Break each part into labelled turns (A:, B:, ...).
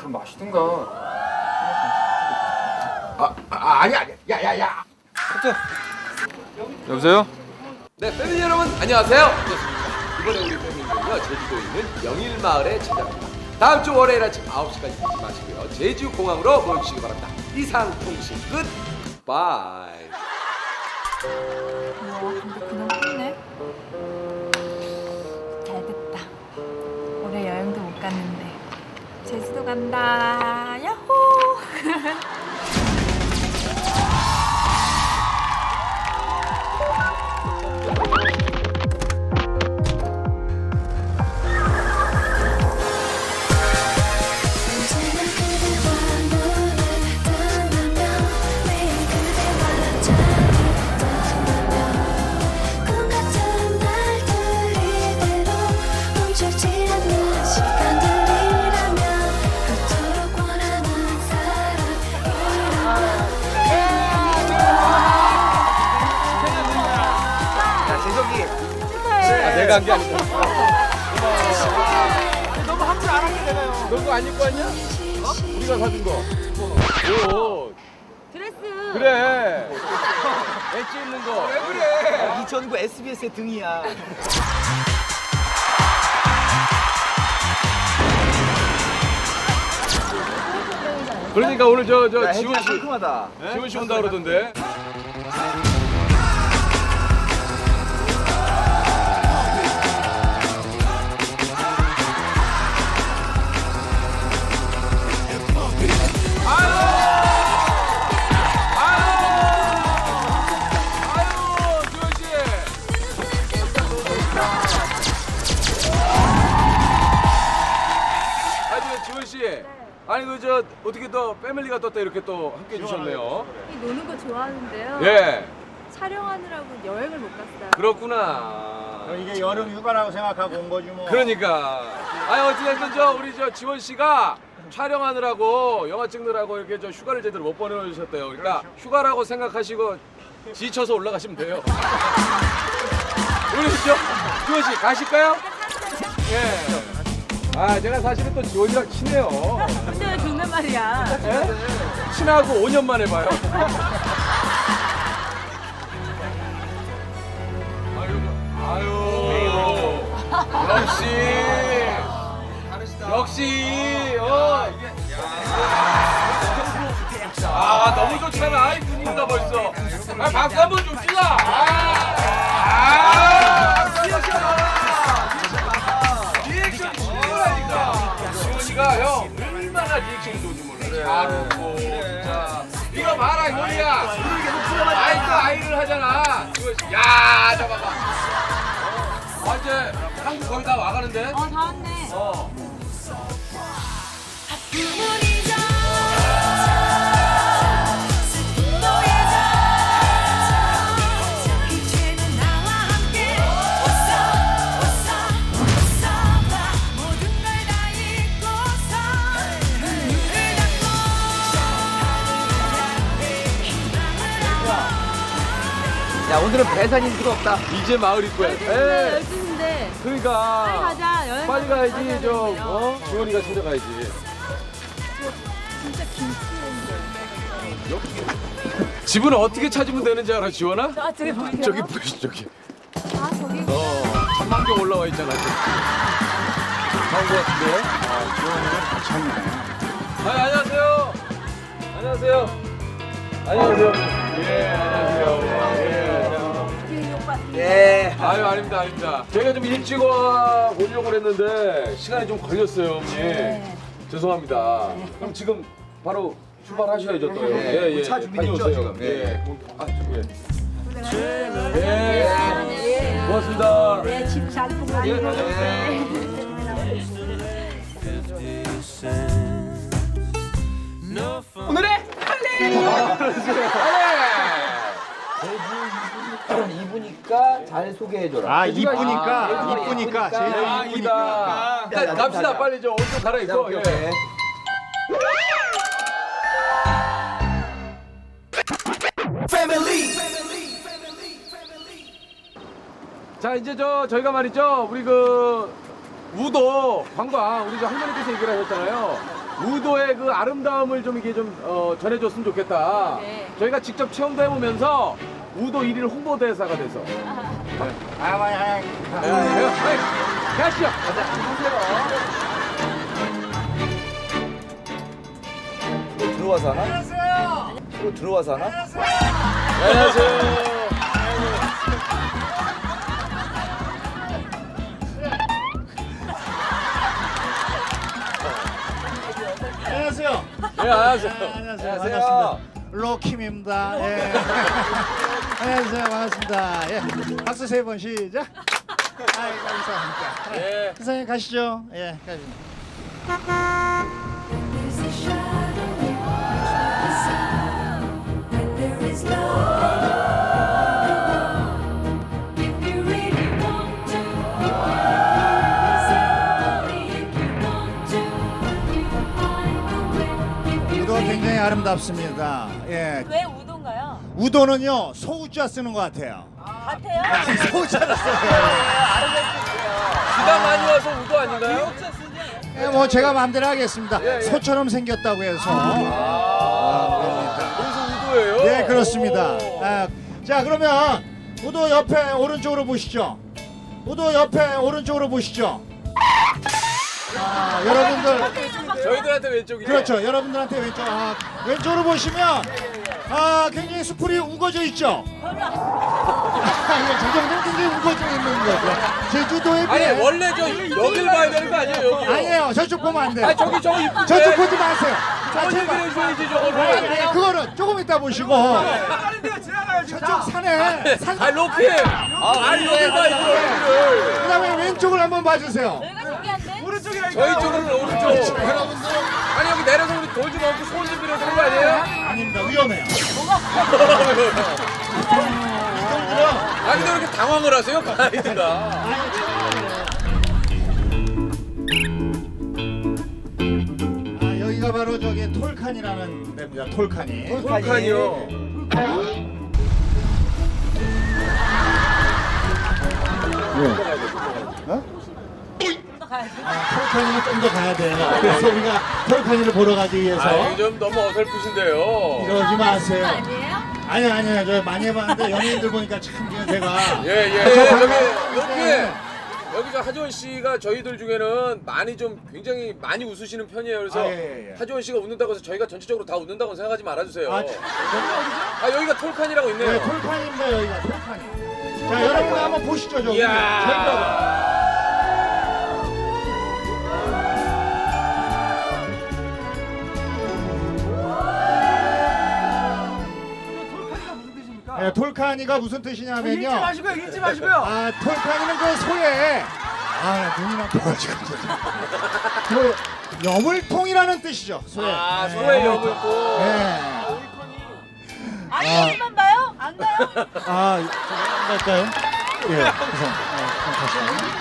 A: 좀 마시든가.
B: 아니야. 야야야.
A: 여보세요?
C: 네, 패밀리 여러분 안녕하세요. 반갑습니다. 이번에 우리 패밀리는요 제주도에 있는 영일마을에 찾아갑니다. 다음 주 월요일 아침 9시까지 잊지 마시고요. 제주공항으로 모여주시기 바랍니다. 이상 통신 끝. 바이.
D: 근데 그냥 끝내. 잘 됐다. 올해 여행도 못 갔는데 제주도 간다. 야호!
C: 내가 한 게 아니고. 너무 함부로 안 하게 되나요? 너 그거 안 입고 왔냐? 우리가 사준 거. 옷.
D: 드레스.
C: 그래. 엣지 있는 거. 왜 그래?
B: 2009 SBS의 등이야.
C: 그러니까 오늘 저 지원 씨,
B: 상큼하다.
C: 지원 씨 온다 그러던데. 지원 씨, 아니 그 저 어떻게 또 패밀리가 또 이렇게 또 함께 해주셨네요.
D: 노는 거 좋아하는데요.
C: 예,
D: 촬영하느라고 여행을 못 갔어요.
C: 그렇구나.
B: 이게 여름 휴가라고 생각하고 온 거지 뭐.
C: 그러니까, 아니 어찌됐든 우리 지원 씨가 촬영하느라고 영화 찍느라고 이렇게 휴가를 제대로 못 보내주셨대요. 그러니까 휴가라고 생각하시고 지쳐서 올라가시면 돼요. 우리 지원 씨 가실까요? 예. 아, 제가 사실은 또 지원이랑 친해요.
D: 근데 왜 존댓 말이야?
C: 예? 친하고 5년 만에 봐요. 아유, 역시, 너무 좋잖아. 아이, 눈인다 벌써. 박수 한번 줍시다. 리액션이 좋으라니까. 지원이가 형 얼마나 리액션이 좋은지 몰라. 잘 웃고 진짜. 이거 봐라 현이야. 아이 또 아이를 하잖아. 지원 야 잡아봐. 이제 한국 거의 다 와가는데.
D: 다 왔네.
B: 야 오늘은 배산인 필요 없다.
C: 이제 마을 입구야. 에.
D: 12시인데
C: 그러니까.
D: 빨리 가자. 여행
C: 빨리
D: 가자.
C: 가야지. 지원이가 찾아가야지.
D: 진짜 김치인데.
C: 집은 어떻게 찾으면 되는지 알아, 지원아?
D: 저기 보이세요?
C: 저기 보이시 저기.
D: 아 저기.
C: 전망경 올라와 있잖아. 나온 것 같은데.
B: 지원이는 괜찮네.
C: 안녕하세요. 안녕하세요. 안녕하세요. 예, 안녕하세요. 예.
B: 예.
C: 아유, 아닙니다, 아닙니다. 제가 좀 일찍 오려고 그랬는데 시간이 좀 걸렸어요, 형님. 죄송합니다. 그럼 지금 바로 출발하셔야죠, 또.
B: 예, 차 준비됐죠,
C: 다녀오세요.
B: 지금?
C: 예. 예.
D: 예.
C: 고맙습니다.
D: 네, 집잘 보고 다니고.
B: 오늘의 이쁘니까 잘 소개해줘라.
E: 이쁘니까 제일
C: 이쁘니까.
B: 야,
C: 갑시다,
B: 자.
C: 빨리 옷 좀 갈아입고. 예. 자, 이제 저희가 말이죠, 우리 우도 관광 우리 할머니께서 얘기를 하셨잖아요. 우도의 그 아름다움을 좀 이게 좀 전해줬으면 좋겠다.
D: 네.
C: 저희가 직접 체험도 해보면서 우도 1일 홍보대사가 돼서. 가시죠.
B: 들어와서 하나? 안녕하세요. 들어와서 하나?
C: 안녕하세요.
E: 안녕하세요.
C: 네, 안녕하세요.
E: 안녕하세요.
B: 안녕하세요.
E: 반갑습니다. 로킴입니다. 예. 안녕하세요. 반갑습니다. 예. 박수 3번 시작. 아이 감사합니다.
C: 예.
E: 선생님 가시죠. 예. 가시죠.
A: There's a shadow the sound, and there is love. If you really want to, if you want to, you will find a way. If you
E: 우도 굉장히 아름답습니다. 예.
D: 왜 우도인가요?
E: 우도는요 소우자 쓰는 것 같아요.
D: 같아요?
E: 소우자를 써요.
C: 비가 많이 와서 우도 아닌가요?
E: 예, 뭐 제가 마음대로 하겠습니다.
C: 예, 예.
E: 소처럼 생겼다고 해서.
C: 그래서 우도예요?
E: 네 그렇습니다. 아, 자 그러면 우도 옆에 오른쪽으로 보시죠. 우도 옆에 오른쪽으로 보시죠. 아, 여러분들
C: 저희들한테 왼쪽이죠?
E: 그렇죠. 여러분들한테 왼쪽으로 보시면 굉장히 수풀이 우거져 있죠. 저 정도는 굉장히 우거져 있는 거죠. 제주도에
C: 아니
E: 비해
C: 원래 여길 봐야 되는 거 아니에요? 여기요?
E: 아니에요. 저쪽 보면 안 돼요.
C: 아니 저기 저거 이쁜데
E: 저쪽 보지 마세요.
C: 저거
E: 제발.
C: 그려줘야지
E: 아니,
C: 저거를
E: 그거는 조금 이따 보시고 저쪽 산에
C: 아 로키! 아니 여길 봐 이거를
E: 그다음에 왼쪽을 한번 봐주세요.
D: 저희가 신기한데?
C: 저희 쪽으로는 오른쪽
E: 여러분들
C: 아니 여기 내려서 우리 돌 좀 얹고 소원 좀 빌어야 되는 거 아니에요?
E: 아닙니다. 위험해요.
C: 아 근데 왜 이렇게 당황을 하세요 가이드가?
E: 여기가 바로 저기 톨칸이라는 데입니다. 톨칸이.
C: 톨칸이요.
E: 톨칸이는 좀 더 가야 돼요. 그래서 우리가 톨칸이를 보러 가기 위해서
C: 아 좀 너무 어설프신데요.
E: 이러지 마세요.
D: 아니에요?
E: 아니요. 저 많이 해봤는데 연예인들 보니까 참 그냥 제가
C: 예예.
E: 저
C: 저기
E: 방금-
C: 로키
E: 네.
C: 여기 저 하지원 씨가 저희들 중에는 많이 좀 굉장히 많이 웃으시는 편이에요. 그래서
E: 예.
C: 하지원 씨가 웃는다고 해서 저희가 전체적으로 다 웃는다고 생각하지 말아주세요.
E: 아,
C: 아 여기가 톨칸이라고 있네요.
E: 네, 톨칸입니다. 여기가 톨칸이. 자, 여러분 한번 보시죠. 저기.
C: 이야.
E: 저기가. 네, 톨카니가 무슨 뜻이냐면요.
B: 잊지 마시고요.
E: 톨카니는 그 소에 눈이 나빠가지고 그 여물통이라는 뜻이죠. 소에.
C: 아 소의
E: 여물통.
C: 여물고.
E: 네.
D: 아니 여기만 봐요? 안 가요?
E: 안 갈까요? 예. 우선 가시죠.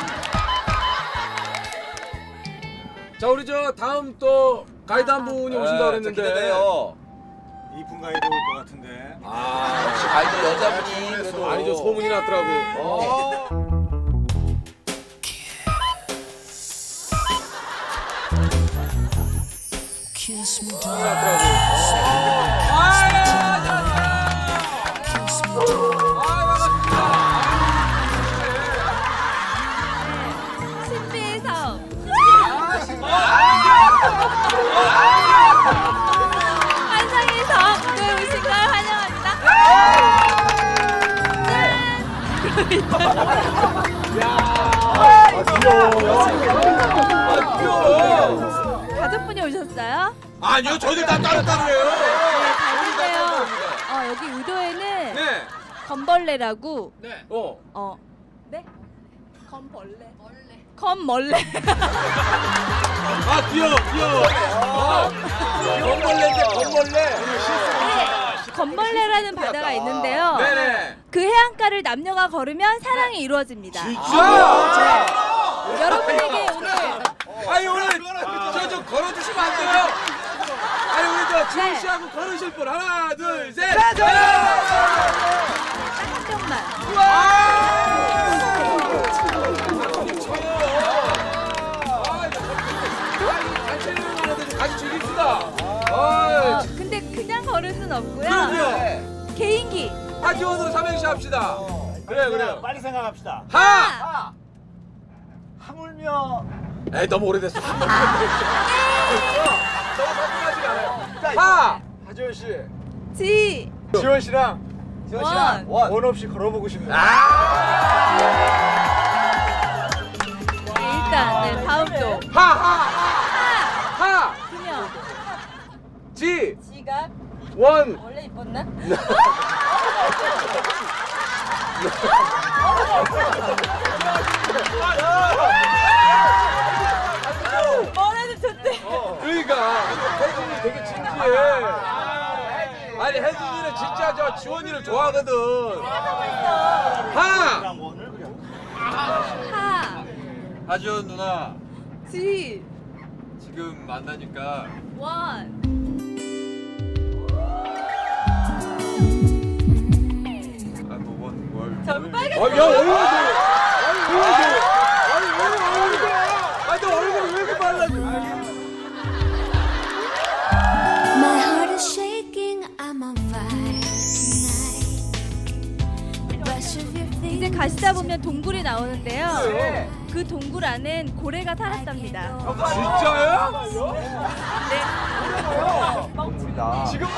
C: 자 우리 저 다음 또 가이드 한 분이 오신다 그랬는데.
B: 기대돼요.
E: 이분 가이드 올 것 같은데.
B: 아, 역시 가이드 여자분이 그래도.
C: 아니 저 소문이 났더라고.
A: kiss me
C: 소문이 났더라고.
D: 신비의 섬. 환상의 섬에 오신 걸 환영합니다. 가족분이 오셨어요?
C: 아니요 저희들 다 따로따로예요.
D: 다른데요. 여기 우도에는
C: 네.
D: 건벌레라고.
C: 네.
D: 네? 건벌레.
C: 아 귀여워. 건벌레인데 건벌레.
D: 건벌레라는 바다가 있는데요.
C: 네네.
D: 그 해안가를 남녀가 걸으면 사랑이 이루어집니다.
C: 진짜?
D: 여러분에게 오늘
C: 아니 오늘 저 걸어주시면 안 돼요? 아니 우리 저 지훈
D: 네.
C: 씨하고 걸으실 분 하나 둘 셋.
D: 한 명만.
C: 같이 즐깁시다. 어이,
D: 근데 그냥 걸을 순 없고요.
C: 그럼요.
D: 개인기.
C: 하지원으로 삼행시 합시다. 그래요, 그래요.
E: 빨리 생각합시다.
C: 하!
E: 하물며
C: 에이, 너무 오래됐어. 너무 궁금하지 않아요. 하!
E: 하지원 씨,
D: 지.
E: 지원 씨랑 원 없이 걸어보고 싶네요.
D: 일단 네, 다음 또.
C: 하!
D: 그냥
C: 지!
D: 지가
C: 원!
D: 원래 이뻤나? 뭐래도 좋대.
C: 그러니까 혜진이 되게 진지해. 아니 혜진이는 진짜 저 지원이를 좋아하거든. 하!
E: 원을 그냥.
D: 하.
F: 하지원 누나
D: 지.
F: 지금 만나니까
D: 원.
F: 아너뭘
D: 전 빨간.
C: 야 얼굴이 아니 너 얼굴이 왜 이렇게 빨라져?
A: My heart is shaking, I'm on fire tonight. Rush of your
D: 이제
A: fingers
D: 가시다 보면 동굴이 나오는데요.
C: 네.
D: 그 동굴 안엔 고래가 살았답니다.
C: 진짜요?
D: 네.
B: 동물이다.
C: 지금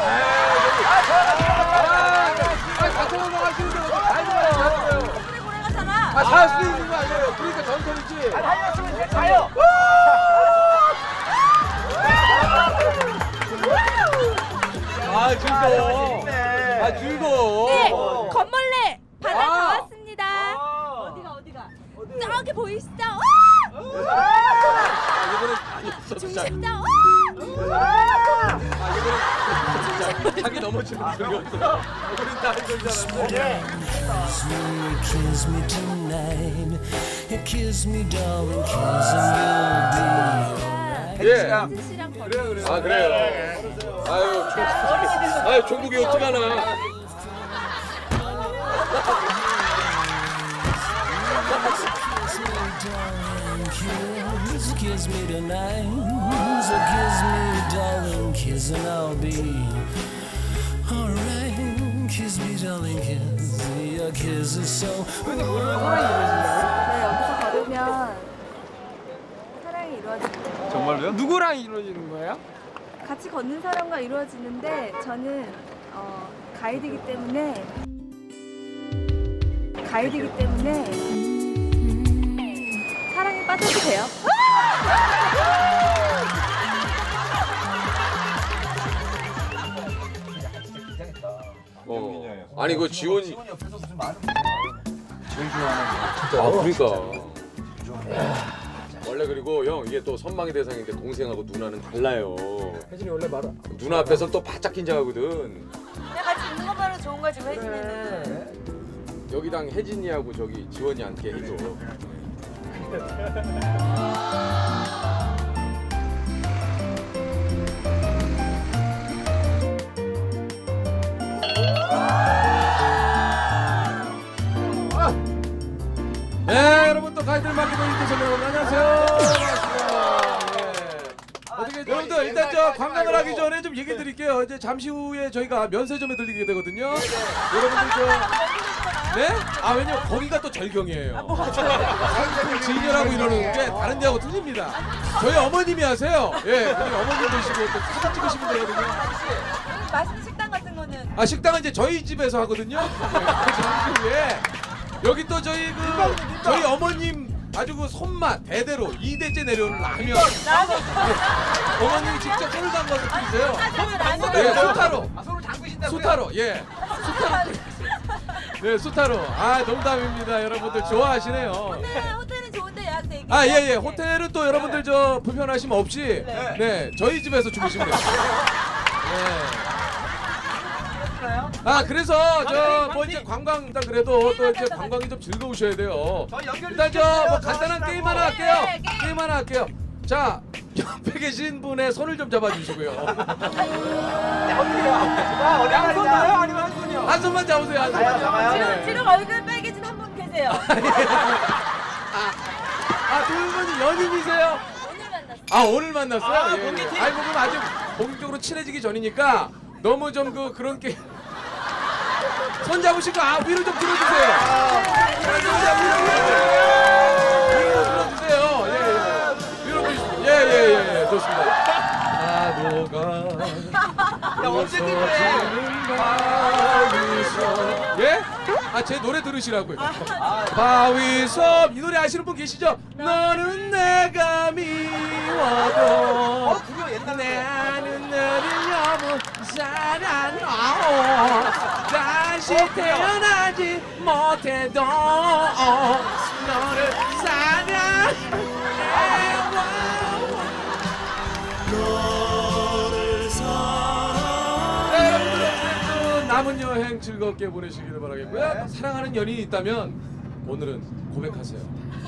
C: 같이 넘어가시는데 어떻게 달려가요?
D: 동굴에 고래가 살아.
C: 아, 살 수도 있는 거 아니에요? 그러니까 전설이지.
E: 달렸으면 이제 가요.
C: 아, 즐거워. 아, 즐거워.
D: 네. 건벌레 바다
C: 아.
D: 다 왔습니다. 어디가? 저기 보이시죠? 중심점.
C: 자기 넘어지는 소리 없어. 우린 다 알고 있잖아.
G: Kiss me tonight, kiss me darling, kiss and
C: 예.
D: 혜진씨랑
C: 그래요. 아, 그래요. 아유, 종국이 어떡하나.
G: kiss me tonight, so kiss me darling, kiss and I'll be alright. Kiss me darling, kiss, your kiss is so.
D: 네, 여기서 걸으면 사랑이 이루어집니다.
F: 정말로요?
C: 누구랑 이루어지는 거예요?
D: 같이 걷는 사람과 이루어지는데 저는 가이드이기 때문에 사랑에 빠져도 돼요.
C: 아니, 그 지원이.
B: 지원 옆에서 무슨 많은
C: 아, 그러니까. 원래 그리고 형 이게 또 선망의 대상인데 동생하고 누나는 달라요. 혜진이 원래 말아. 누나 앞에서 또 바짝 긴장하거든.
D: 내가 같이 있는 것만으로 좋은 거지 혜진이는.
C: 여기랑 혜진이하고 저기 지원이 앉게 해줘. 네, 여러분 또 가이드를 맡기고 있는 여러분 안녕하세요. 어떻게 여러분들 일단 저 관광을 하기 전에 좀 얘기 드릴게요. 이제 잠시 후에 저희가 면세점에 들리게 되거든요. 여러분들 저 네? 아 왜냐면 거기가 또 절경이에요. 상품을 진열하고 이러는 게 다른 데하고 틀립니다. 저희 어머님이 하세요. 예, 우리 어머님 보시고 또 사진 찍으시면 되거든요.
D: 맛있는 식당 같은 거는
C: 아 식당은 이제 저희 집에서 하거든요. 그 잠시 후에 여기 또 저희 저희 어머님 아주 그 손맛 대대로 2대째 내려오는 라면. 어머님이 직접 손을 담가서 끓이세요. 네, 수타로.
B: 손을 담그신다고요?
C: 수타로, 예. 수타로. 네, 수타로. 아, 농담입니다. 여러분들 좋아하시네요.
D: 호텔은 좋은데 예약돼 있겠죠?
C: 아, 예, 예. 호텔은 또 여러분들 저 불편하시면 없이 네, 저희 집에서 주무시면 돼요. 네. 아, 그래서 저 뭐 이제 관광 일단 그래도 또 이제 관광이 좀 즐거우셔야 돼요. 일단 저 뭐 간단한 게임 하나 할게요. 게임 하나 할게요. 자, 옆에 계신 분의 손을 좀 잡아주시고요.
E: 양손 나요? 아니면 한 손이요?
C: 한 손만 잡으세요. 한 손만.
D: 지금 얼굴 빨개진 한 분 계세요.
C: 아, 두 분이 연인이세요?
D: 오늘 만났어요.
C: 아 오늘 만났어요? 예, 예. 아이고 그럼 아직 본격적으로 친해지기 전이니까 너무 좀 그런 게 손 잡으시고 위로 좀 들어주세요. 손 위로 들어주세요. 위로 들어주세요. 예, 좋습니다. 예? 제 노래 들으시라고요. 바위섬 이 노래 아시는 분 계시죠? 너는 내가 미워도 나는 너를 너무 사랑하오 다시 태어나지 못해도 너를 사랑해 남은 여행 즐겁게 보내시기를 바라겠고요. 사랑하는 연인이 있다면 오늘은 고백하세요.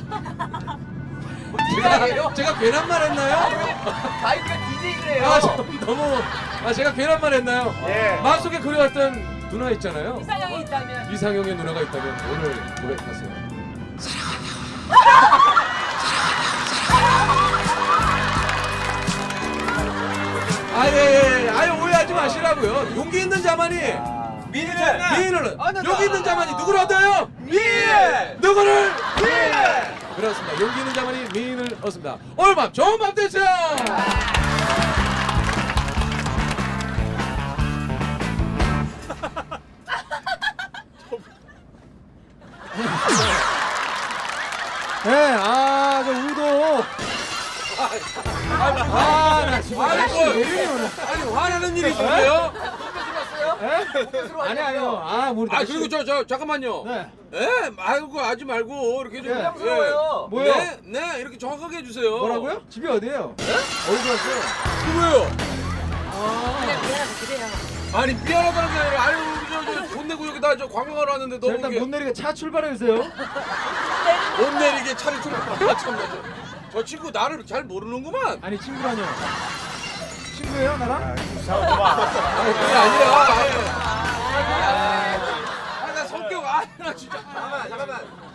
C: 제가 괜한 말 했나요?
B: 가이드가 DJ래요.
C: 너무 제가 괜한 말 했나요? 마음속에 그려왔던 누나 있잖아요.
D: 이상형이 있다면.
C: 이상형의 누나가 있다면 오늘 고백하세요. 아유 오해하지 마시라고요. 용기 있는 자만이 미인을 여기 있는 자만이 누구를 얻어요? 누구를? 그렇습니다. 용기 있는 자만이 미인을 얻습니다. 오늘 밤 좋은 밤 되세요.
E: 네, 저 우도.
C: 나 지금 아니 화나는 일이 있어요?
E: 아니요. 모르.
C: 그리고 저 잠깐만요.
E: 네.
C: 말고 하지 말고 이렇게 좀
B: 부러워요.
E: 뭐요?
C: 네 이렇게 정확하게 해주세요.
E: 뭐라고요? 집이 어디예요? 어디서 왔어요?
C: 누구예요?
D: 그냥 그래요.
C: 아니 미안하다는 게 아니라 아유 돈 내고 여기다 관광하러 왔는데
E: 자,
C: 너무
E: 일단
C: 이게
E: 못 내리게 차 출발해 주세요.
C: 못 내리게 차를 참나 저 친구 나를 잘 모르는구만.
E: 아니 친구라뇨. 친구예요 나랑?
C: 그게 아니라 나 성격 나 진짜 잠깐만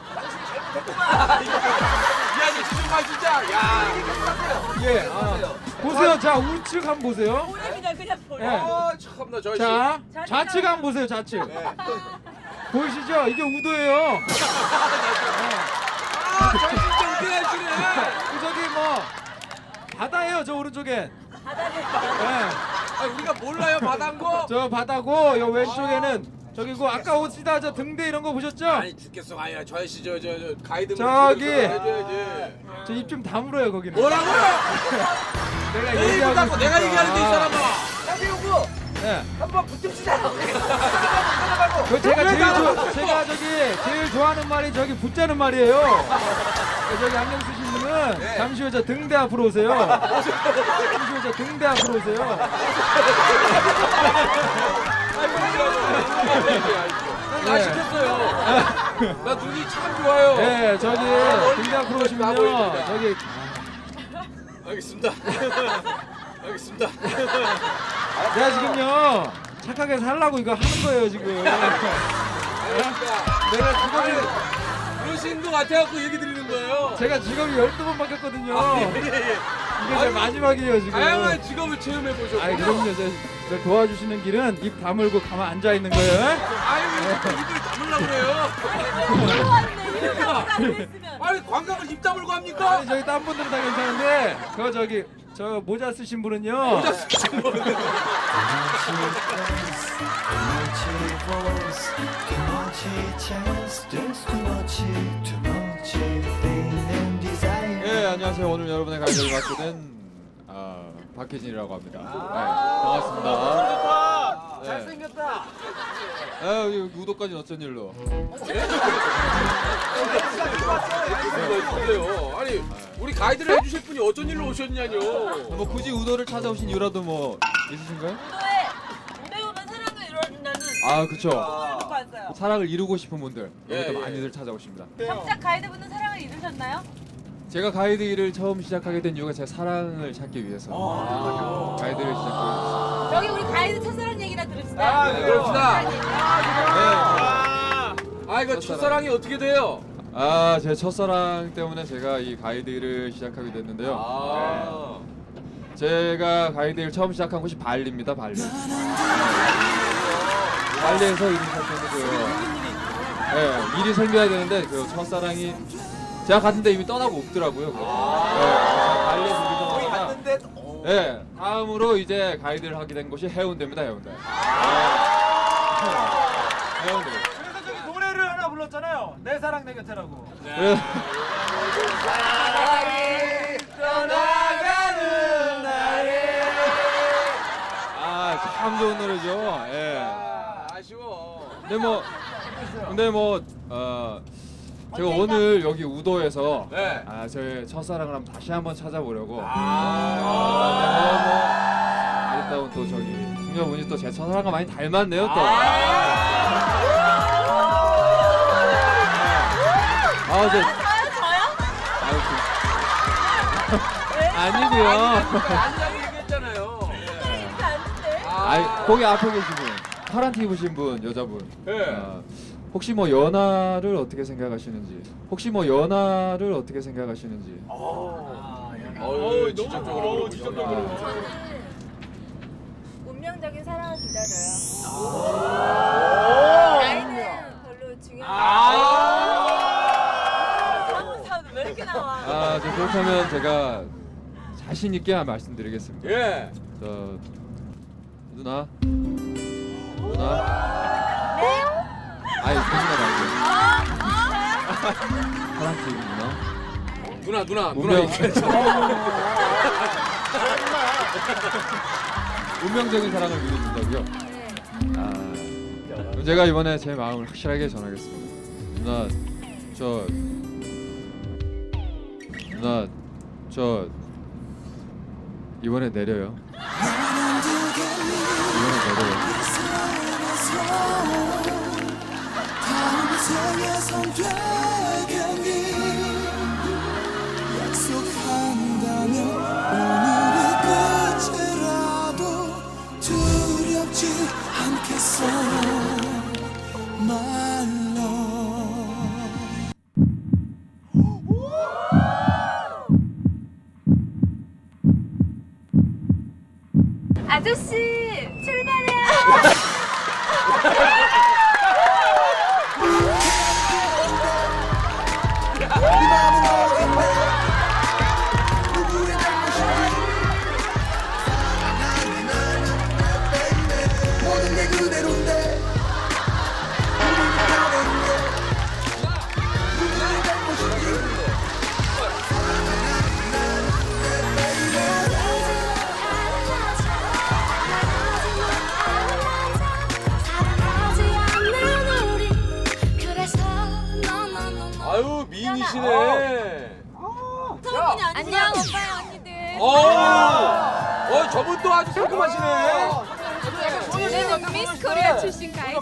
C: 야 진짜 말 진짜 야
E: 예. 보세요. 자 우측 한번 보세요.
D: 그냥 보여.
E: 예.
C: 참나 저
E: 자 좌측 한번 보세요. 좌측. 보이시죠? 이게 우도예요.
C: 저 진짜 웃기게 하시네.
E: 저기 뭐 바다예요. 저 오른쪽엔. 예.
C: 우리가 몰라요 바다인 거?
E: 저 바다고 요 왼쪽에는 저기고 아까 오시다 저 등대 이런 거 보셨죠?
C: 아니 죽겠어 아니야 저 아저씨 저 가이드
E: 저기.
C: 해줘야지.
E: 저 입 좀 다물어요 거기는.
C: 뭐라고요?
E: 내가
C: 내 입을 닫고 내가 얘기하는 데 이 사람아.
B: 나비 오고
E: 네.
B: 한번 붙읍시다.
E: 제가 제일 좋아하는 말이 저기 붙자는 말이에요. 저기 안경 쓰신 분은 잠시 후 저 등대 앞으로 오세요. 잠시 후 저 등대 앞으로 오세요.
C: 나 시켰어요. 나 눈이 참 좋아요.
E: 네, 저기 등대 앞으로 오시면요. 저기
C: 알겠습니다. 알겠습니다.
E: 내가 지금요 착하게 살라고 이거 하는 거예요 지금. 내가 직업이
C: 그러신 것 같아갖고 얘기 드리는 거예요.
E: 제가 직업이 12번 바뀌었거든요. 이게 제 마지막이에요 지금.
C: 다양한 직업을 체험해 보셨고.
E: 아이 그럼요. 저 도와주시는 길은 입 다물고 가만 앉아 있는 거예요.
C: 아유 왜 입을 다물라고 그래요? 아니 관광을 입 다물고 합니까?
E: 아니 저기 딴 분들은 다 괜찮은데 저 모자 쓰신 분은요.
F: 예, 안녕하세요. 오늘 여러분의 가이드를 맡게 된 박혜진이라고 합니다. 반갑습니다.
B: 잘생겼다.
F: 우도까지는 어쩐 일로?
C: 있어요. 아니 우리 가이드를 해주실 분이 어쩐 일로 오셨냐뇨.
F: 뭐 굳이 우도를 찾아오신 이유라도 뭐 있으신가요?
D: 무대 오면 사랑을 이루어준다는.
F: 그쵸.
D: 듣고 왔어요.
F: 사랑을 이루고 싶은 분들
C: 예,
F: 여기도
C: 예.
F: 많이들 찾아오십니다.
D: 정작 가이드분은 사랑을 잃으셨나요?
F: 제가 가이드 일을 처음 시작하게 된 이유가 제 사랑을 찾기 위해서 가이드를 시작하게
D: 저기 우리 가이드 첫사랑 얘기나 들읍시다.
C: 네, 그럽시다.
F: 됐어요.
C: 이거 첫사랑이 어떻게 돼요?
F: 제 첫사랑 때문에 제가 이 가이드 일을 시작하게 됐는데요. 제가 가이드를 처음 시작한 곳이 발리입니다. 발리. 발리에서 일이 시작했는데요. 네, 일이 생겨야 되는데 그 첫사랑이 제가 갔는데 이미 떠나고 없더라고요. 발리에서 일이
B: 거기
F: 떠나다가
B: 갔는데
F: 네, 다음으로 이제 가이드를 하게 된 곳이 해운대입니다. 해운대. 해운대.
E: 그래서 저기 노래를 하나 불렀잖아요. 내 사랑 내 곁에라고.
F: 그래서
B: 떠나가는 날에
F: 참 좋은 노래죠. 예.
C: 아쉬워.
F: 근데 뭐 제가 오늘 여기 우도에서
C: 네.
F: 저의 첫사랑을 한번 다시 한번 찾아보려고. 아리따운 또 저기 승려분이 또 제 첫사랑과 많이 닮았네요 또.
D: 저요?
F: 아니고요.
C: 아니라고 얘기했잖아요.
D: 이렇게 아닌데?
F: 거기 앞에 계신 분, 파란 티 입으신 분, 여자분.
C: 네.
F: 혹시 뭐 연하를 어떻게 생각하시는지.
C: 어우, 지적적으로.
D: 운명적인 사랑을 기다려요. 나이는 별로 중요하지 않아요. 사람 왜 이렇게 나와?
F: 그렇다면 제가 자신 있게 말씀드리겠습니다.
C: 예.
F: 저 누나. 아니 그 누나 말고 파란 티 입은 누나.
C: 누나
F: 운명. 운명적인 사랑을 누려준다고요? 그럼 제가 이번에 제 마음을 확실하게 전하겠습니다. 누나, 저 이번에 내려요.
G: 약속한다면 오늘의 끝이라도 두렵지 않겠어 My love
D: 아저씨 출발해요.
G: 모든 게 그대로인데 우리는 다른데 누구의 잘못인지
C: 아유, 미인이시네.
D: 성분이 안녕 오빠야 언니들.
C: 저분 또 아주 상큼하시네.
D: 저는 미스 코리아 출신 가이드.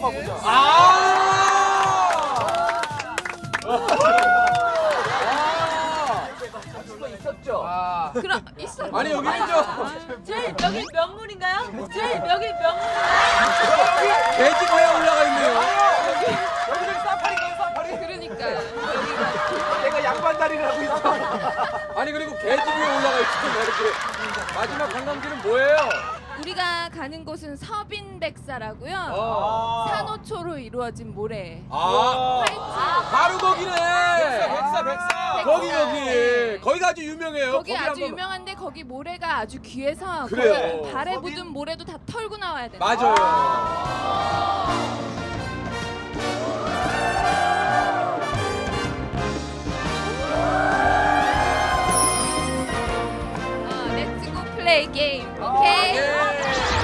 B: 있었죠.
D: 그럼 있어.
C: 아니, 여기는
D: 여기 명물인가요? 여기 명물.
C: 돼지고에 올라가 있네요.
B: 여기는 사파리인가요, 사파리?
D: 그러니까요.
B: 내가 양반다리를 하고 있어.
C: 아니, 그리고 돼지고에 올라가 있잖아요. 이렇게. 마지막 관광지는 뭐예요?
H: 우리가 가는 곳은 서빈백사라고요. 산호초로 이루어진 모래.
C: 바로 거기네.
B: 백사.
C: 거기가 아주 유명해요.
H: 거기 아주
C: 한번-
H: 유명한데 거기 모래가 아주 귀해서
C: 그래요.
H: 거기 발에 묻은 모래도 다 털고 나와야 돼요.
C: 맞아요.
H: Let's go play game. 오케이?
C: 예.